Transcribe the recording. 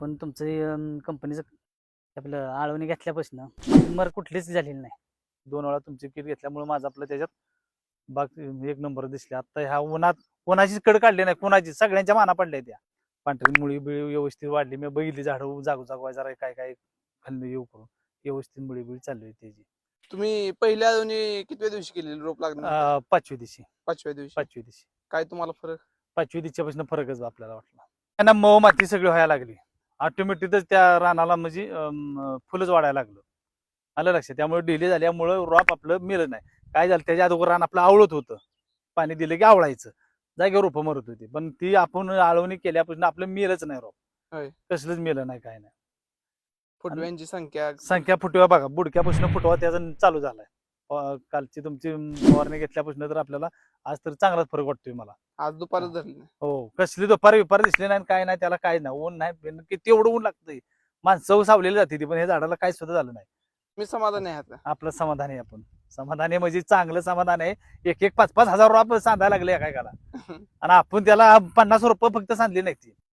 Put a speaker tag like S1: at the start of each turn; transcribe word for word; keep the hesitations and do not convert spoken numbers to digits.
S1: आपण तुमचं कंपनीचं आपलं आळवणी घेतल्यापासून मर कुठलीच झालेली नाही.
S2: दोन वेळा तुमची किट घेतल्यामुळे माझं आपलं त्याच्यात बाग एक नंबर दिसले. आता ह्या उन्हात कोणाचीच कड काढली नाही, कोणाची सगळ्यांच्या माना पडल्या त्या. पांढरी मुळी बिळी व्यवस्थित वाढली. मी बघितली झाडं जागो जागवाय जरा काय काय खाल्लं येऊ करून व्यवस्थित मुळी बिळी चालली होती त्याची.
S3: तुम्ही पहिल्या अजून कितव्या दिवशी केलेली रोप लागणार
S2: अं, पाचवी दिवशी
S3: पाचव्या दिवशी
S2: पाचवी दिवशी
S3: काय तुम्हाला फरक
S2: पाचवी दिवशीपासून फरकच आपल्याला वाटला. त्यांना मऊ माती सगळी व्हायला लागली. ऑटोमॅटिकच त्या रानाला म्हणजे अं, फुलंच वाढायला लागलं. आलं लक्षात. त्यामुळे डिले झाल्यामुळं रोप आपलं मिळत नाही. काय झालं त्याच्या अगोदर रान आपलं आवळत होतं. पाणी दिलं की आवळायचं, जागेवर रोपं मरत होती. पण ती आपण आळवणी केल्यापासून आपलं मिळच नाही रोप.
S3: होय.
S2: कसलंच मिळलं नाही, काय नाही.
S3: फुटव्यांची संख्या
S2: संख्या फुटवा बघा, बुडक्यापासून फुटवा त्याचा चालू झालाय. अं, कालची तुमची फवारणी घेतल्यापासून तर आपल्याला आज तर चांगलाच फरक वाटतोय मला.
S3: आज दुपारच धरली नाही.
S2: हो, कसली दुपारी विपार दिसली नाही, काय नाही, त्याला काय नाही, ऊन नाही, बिन- किती एवढं ऊन लागतंय. माणसं सावलेली जाते ती, पण हे झाडाला काय सुद्धा झालं नाही.
S3: मी समाधानी आहे आता.
S2: आपलं समाधान आहे. आपण समाधान आहे म्हणजे चांगलं समाधान आहे. एक एक पाच पाच हजार रुपये सांधायला लागले एका एकाला आणि आपण त्याला पन्नास रुपये फक्त सांधले नाही ती.